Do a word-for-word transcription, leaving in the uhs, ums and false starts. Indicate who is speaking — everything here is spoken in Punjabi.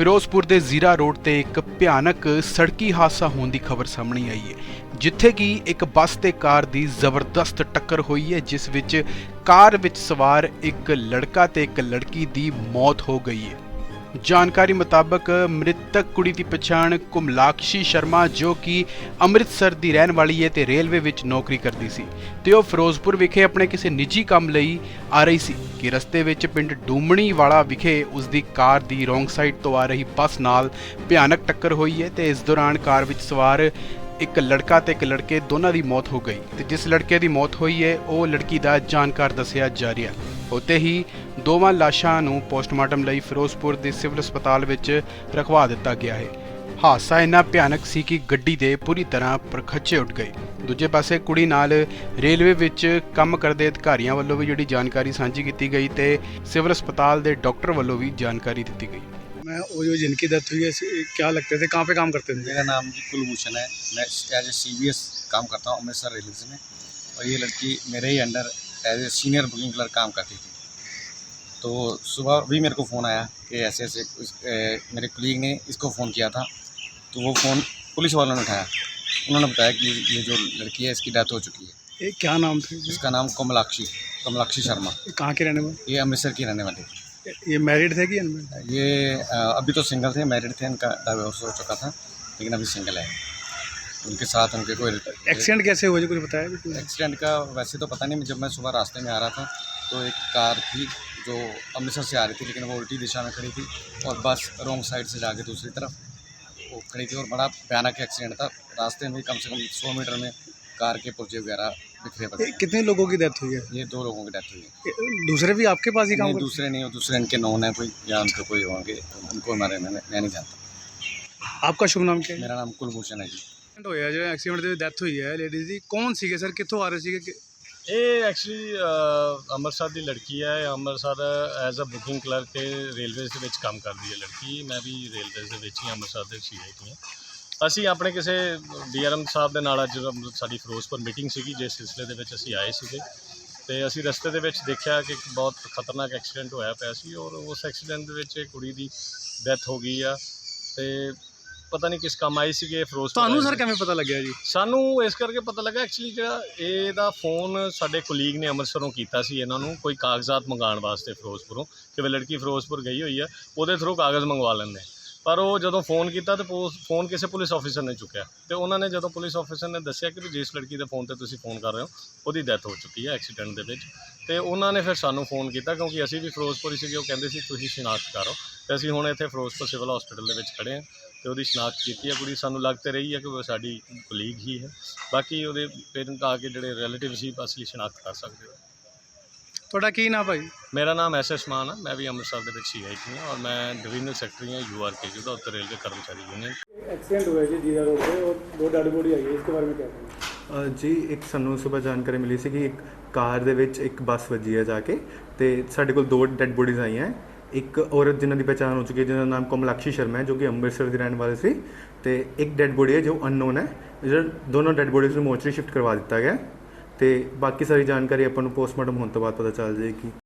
Speaker 1: ਫਿਰੋਜ਼ਪੁਰ ਦੇ ਜ਼ੀਰਾ ਰੋਡ ਤੇ ਇੱਕ ਭਿਆਨਕ ਸੜਕੀ ਹਾਦਸਾ ਹੋਣ ਦੀ ਖਬਰ ਸਾਹਮਣੇ ਆਈ ਹੈ, ਜਿੱਥੇ ਕਿ ਇੱਕ ਬੱਸ ਤੇ ਕਾਰ ਦੀ ਜ਼ਬਰਦਸਤ ਟੱਕਰ ਹੋਈ ਹੈ, ਜਿਸ ਵਿੱਚ ਕਾਰ ਵਿੱਚ ਸਵਾਰ ਇੱਕ ਲੜਕਾ ਤੇ ਇੱਕ ਲੜਕੀ ਦੀ ਮੌਤ ਹੋ ਗਈ ਹੈ। ਜਾਣਕਾਰੀ ਮੁਤਾਬਕ ਮ੍ਰਿਤਕ ਕੁੜੀ ਦੀ ਪਛਾਣ ਕੁਮਲਾਕਸ਼ੀ ਸ਼ਰਮਾ, ਜੋ ਕਿ ਅੰਮ੍ਰਿਤਸਰ ਦੀ ਰਹਿਣ ਵਾਲੀ ਹੈ ਤੇ ਰੇਲਵੇ ਵਿੱਚ ਨੌਕਰੀ ਕਰਦੀ ਸੀ ਤੇ ਉਹ ਫਿਰੋਜ਼ਪੁਰ ਵਿਖੇ ਆਪਣੇ ਕਿਸੇ ਨਿੱਜੀ ਕੰਮ ਲਈ ਆ ਰਹੀ ਸੀ ਕਿ ਰਸਤੇ ਵਿੱਚ ਪਿੰਡ ਡੂਮਣੀ ਵਾਲਾ ਵਿਖੇ ਉਸ ਦੀ ਕਾਰ ਦੀ ਰੋਂਗ ਸਾਈਡ ਤੋਂ ਆ ਰਹੀ ਬੱਸ ਨਾਲ ਭਿਆਨਕ ਟੱਕਰ ਹੋਈ ਹੈ ਤੇ ਇਸ ਦੌਰਾਨ ਕਾਰ ਵਿੱਚ ਸਵਾਰ ਇੱਕ ਲੜਕਾ ਤੇ ਇੱਕ ਲੜਕੇ ਦੋਨਾਂ ਦੀ ਮੌਤ ਹੋ ਗਈ ਤੇ ਜਿਸ ਲੜਕੇ ਦੀ ਮੌਤ ਹੋਈ ਹੈ ਉਹ ਲੜਕੀ ਦਾ ਜਾਣਕਾਰ ਦੱਸਿਆ ਜਾ ਰਿਹਾ। ਉੱਥੇ ਹੀ ਦੋਵਾਂ ਲਾਸ਼ਾਂ ਨੂੰ ਪੋਸਟਮਾਰਟਮ ਲਈ ਫਿਰੋਜ਼ਪੁਰ ਦੇ ਸਿਵਲ ਹਸਪਤਾਲ ਵਿੱਚ ਰਖਵਾ ਦਿੱਤਾ ਗਿਆ ਹੈ। ਹਾਦਸਾ ਇੰਨਾ ਭਿਆਨਕ ਸੀ ਕਿ ਗੱਡੀ ਦੇ ਪੂਰੀ ਤਰ੍ਹਾਂ ਪਰਖੱਚੇ ਉੱਡ ਗਏ। ਦੂਜੇ ਪਾਸੇ ਕੁੜੀ ਨਾਲ ਰੇਲਵੇ ਵਿੱਚ ਕੰਮ ਕਰਦੇ ਅਧਿਕਾਰੀਆਂ ਵੱਲੋਂ ਵੀ ਜਿਹੜੀ ਜਾਣਕਾਰੀ ਸਾਂਝੀ ਕੀਤੀ ਗਈ ਤੇ ਸਿਵਲ ਹਸਪਤਾਲ ਦੇ ਡਾਕਟਰ ਵੱਲੋਂ ਵੀ जानकारी ਦਿੱਤੀ गई।
Speaker 2: मैं वो जो जिनकी डेथ हुई है क्या लगते थे, कहाँ पे काम करते थे?
Speaker 3: मेरा नाम जी कुलभूषण है। मैं as A C B S काम करता हूँ अमृतसर रेलवे में, और ये लड़की मेरे ही under as a senior booking clerk काम करती थी। तो सुबह भी मेरे को फ़ोन आया कि ऐसे ऐसे इस, ए, मेरे कलीग ने इसको फ़ोन किया था, तो वो फ़ोन पुलिस वालों ने उठाया। उन्होंने बताया कि ये जो लड़की है इसकी डेथ हो चुकी है।
Speaker 2: ये क्या नाम थे?
Speaker 3: इसका नाम कमलाक्षी कमलाक्षी शर्मा।
Speaker 2: कहाँ के रहने वाले?
Speaker 3: ये अमृतसर की रहने वाली थी।
Speaker 2: ये मैरिड थे कि अनमैरिड?
Speaker 3: ये आ, अभी तो सिंगल थे, मैरिड थे, इनका डाइवोर्स हो चुका था, लेकिन अभी सिंगल है। उनके साथ उनके कोई
Speaker 2: एक्सीडेंट कैसे हुआ, जो कुछ बताया?
Speaker 3: एक्सीडेंट का वैसे तो पता नहीं। जब मैं सुबह रास्ते में आ रहा था तो एक कार थी जो अमृतसर से आ रही थी, लेकिन वो उल्टी दिशा में खड़ी थी, और बस रॉन्ग साइड से जाके दूसरी तरफ वो खड़ी थी, और बड़ा भयानक एक्सीडेंट था। रास्ते में कम से कम सौ मीटर में कार के पुर्जे वगैरह बिखरे पड़े।
Speaker 2: कितने लोगों की डेथ हुई है?
Speaker 3: ये दो लोगों की डेथ हुई है।
Speaker 2: दूसरे भी आपके पास ही काम
Speaker 3: नहीं,
Speaker 2: करते?
Speaker 3: दूसरे नहीं, दूसरे इनके नॉन है कोई, या उनके कोई होंगे, उनको हमारे मैं मैं नहीं जानता।
Speaker 2: आपका शुभ नाम क्या है?
Speaker 3: मेरा नाम कुलभूषण है जी।
Speaker 2: ਹੋਇਆ ਜਿਹੜਾ ਐਕਸੀਡੈਂਟ ਦੇ ਡੈਥ ਹੋਈ ਹੈ ਲੇਡੀਜ਼ ਦੀ, ਕੌਣ ਸੀਗੇ ਸਰ, ਕਿੱਥੋਂ ਆ ਰਹੇ ਸੀਗੇ?
Speaker 4: ਇਹ ਐਕਚੁਅਲੀ ਅੰਮ੍ਰਿਤਸਰ ਦੀ ਲੜਕੀ ਹੈ। Amritsar as a booking clerk ਤੇ ਰੇਲਵੇਜ਼ ਦੇ ਵਿੱਚ ਕੰਮ ਕਰਦੀ ਹੈ ਲੜਕੀ। ਮੈਂ ਵੀ ਰੇਲਵੇਜ਼ ਦੇ ਵਿੱਚ ਹੀ ਅੰਮ੍ਰਿਤਸਰ ਦੇ ਸੀ ਆਈ ਹਾਂ। ਅਸੀਂ ਆਪਣੇ ਕਿਸੇ ਡੀ ਆਰ ਐਮ ਸਾਹਿਬ ਦੇ ਨਾਲ ਅੱਜ ਸਾਡੀ ਫਿਰੋਜ਼ਪੁਰ ਮੀਟਿੰਗ ਸੀਗੀ, ਜਿਸ ਸਿਲਸਿਲੇ ਦੇ ਵਿੱਚ ਅਸੀਂ ਆਏ ਸੀਗੇ, ਤੇ ਅਸੀਂ ਰਸਤੇ ਦੇ ਵਿੱਚ ਦੇਖਿਆ ਕਿ ਇੱਕ ਬਹੁਤ ਖਤਰਨਾਕ ਐਕਸੀਡੈਂਟ ਹੋਇਆ ਪਿਆ ਸੀ, ਔਰ ਉਸ ਐਕਸੀਡੈਂਟ ਦੇ ਵਿੱਚ ਕੁੜੀ ਦੀ ਡੈਥ ਹੋ ਗਈ ਆ। ਤੇ ਪਤਾ ਨਹੀਂ ਕਿਸ ਕੰਮ ਆਈ ਸੀਗੇ ਫਿਰੋਜ਼ਪੁਰ।
Speaker 2: ਤੁਹਾਨੂੰ ਸਰ ਕਿਵੇਂ ਪਤਾ ਲੱਗਿਆ ਜੀ?
Speaker 4: ਸਾਨੂੰ ਇਸ ਕਰਕੇ ਪਤਾ ਲੱਗਾ, ਐਕਚੁਅਲੀ ਜਿਹੜਾ ਇਹਦਾ ਫੋਨ ਸਾਡੇ ਕੁਲੀਗ ਨੇ ਅੰਮ੍ਰਿਤਸਰੋਂ ਕੀਤਾ ਸੀ ਇਹਨਾਂ ਨੂੰ ਕੋਈ ਕਾਗਜ਼ਾਤ ਮੰਗਾਉਣ ਵਾਸਤੇ ਫਿਰੋਜ਼ਪੁਰੋਂ, ਕਿ ਵੀ ਲੜਕੀ ਫਿਰੋਜ਼ਪੁਰ ਗਈ ਹੋਈ ਆ, ਉਹਦੇ ਥਰੂ ਕਾਗਜ਼ ਮੰਗਵਾ ਲੈਂਦੇ। ਪਰ ਉਹ ਜਦੋਂ ਫ਼ੋਨ ਕੀਤਾ ਤਾਂ ਫੋਨ ਕਿਸੇ ਪੁਲਿਸ ਆਫੀਸਰ ਨੇ ਚੁੱਕਿਆ, ਤੇ ਉਹਨਾਂ ਨੇ ਜਦੋਂ ਪੁਲਿਸ ਆਫੀਸਰ ਨੇ ਦੱਸਿਆ ਕਿ ਵੀ ਜਿਸ ਲੜਕੀ ਦੇ ਫੋਨ 'ਤੇ ਤੁਸੀਂ ਫੋਨ ਕਰ ਰਹੇ ਹੋ ਉਹਦੀ ਡੈਥ ਹੋ ਚੁੱਕੀ ਹੈ ਐਕਸੀਡੈਂਟ ਦੇ ਵਿੱਚ। ਤੇ ਉਹਨਾਂ ਨੇ ਫਿਰ ਸਾਨੂੰ ਫੋਨ ਕੀਤਾ, ਕਿਉਂਕਿ ਅਸੀਂ ਵੀ ਫਿਰੋਜ਼ਪੁਰ ਹੀ ਸੀਗੇ। ਉਹ ਕਹਿੰਦੇ ਸੀ ਤੁਸੀਂ ਸ਼ਨਾਖਤ ਕਰੋ, ਤੇ ਅਸੀਂ ਹੁਣ ਇੱਥੇ ਫਿਰੋਜ਼ਪੁਰ ਸਿਵਲ ਹਸਪੀਟਲ ਦੇ ਵਿੱਚ ਖੜ੍ਹੇ ਹਾਂ, ਤੇ ਉਹਦੀ ਸ਼ਨਾਖਤ ਕੀਤੀ ਹੈ। ਕੁੜੀ ਸਾਨੂੰ ਲੱਗ ਤੇ ਰਹੀ ਹੈ ਕਿ ਉਹ ਸਾਡੀ ਕੁਲੀਗ ਹੀ ਹੈ, ਬਾਕੀ ਉਹਦੇ ਪੇਰੈਂਟ ਆ ਕੇ ਜਿਹੜੇ ਰਿਲੇਟਿਵ ਸੀ ਅਸੀਂ ਸ਼ਨਾਖਤ ਕਰ ਸਕਦੇ ਹੋ।
Speaker 2: ਤੁਹਾਡਾ ਕੀ ਨਾਮ ਭਾਈ?
Speaker 4: ਮੇਰਾ ਨਾਮ ਐਸ ਐਸ ਮਾਨ ਹੈ। मैं भी अमृतसर ਦੇ ਵਿੱਚ ਸੀ ਆਈ थी, और मैं डिवीजनल सेक्रेटरी ਹਾਂ यू आर के जी ਦਾ, उत्तर रेलवे कर्मचारी यूनियन।
Speaker 2: एक्सीडेंट हुआ जी जीरा रोड पे, और दो डेड बॉडी आई है, इसके बारे में क्या कहेंगे?
Speaker 5: ਜੀ ਇੱਕ ਸਾਨੂੰ ਸਵੇਰ ਜਾਣਕਾਰੀ ਮਿਲੀ ਸੀ ਕਿ ਇੱਕ ਕਾਰ ਦੇ ਵਿੱਚ ਇੱਕ ਬੱਸ ਵੱਜੀ ਹੈ ਜਾ ਕੇ, ਤੇ ਸਾਡੇ ਕੋਲ ਦੋ ਡੈੱਡ ਬੋਡੀਜ਼ ਆਈਆਂ। ਇੱਕ ਔਰਤ ਜਿਨ੍ਹਾਂ ਦੀ ਪਛਾਣ ਹੋ ਚੁੱਕੀ ਹੈ, ਜਿਹਦਾ ਨਾਮ ਕਮਲਾਕਸ਼ੀ ਸ਼ਰਮਾ ਹੈ, ਜੋ ਕਿ ਅੰਮ੍ਰਿਤਸਰ ਦੀ ਰਹਿਣ ਵਾਲੀ ਸੀ, ਤੇ ਇੱਕ ਡੈੱਡ ਬੋਡੀ ਹੈ ਜੋ ਅਨਨੋਨ ਹੈ। ਜਿਹੜਾ ਦੋਨੋਂ ਡੈੱਡ ਬੋਡੀਜ਼ ਨੂੰ ਮੋਰਚਰੀ ਸ਼ਿਫਟ ਕਰਵਾ ਦਿੱਤਾ ਗਿਆ, ਤੇ ਬਾਕੀ ਸਾਰੀ ਜਾਣਕਾਰੀ ਆਪਾਂ ਨੂੰ ਪੋਸਟਮਾਰਟਮ ਹੋਣ ਤੋਂ ਬਾਅਦ ਪਤਾ ਚੱਲ ਜਾਏਗੀ।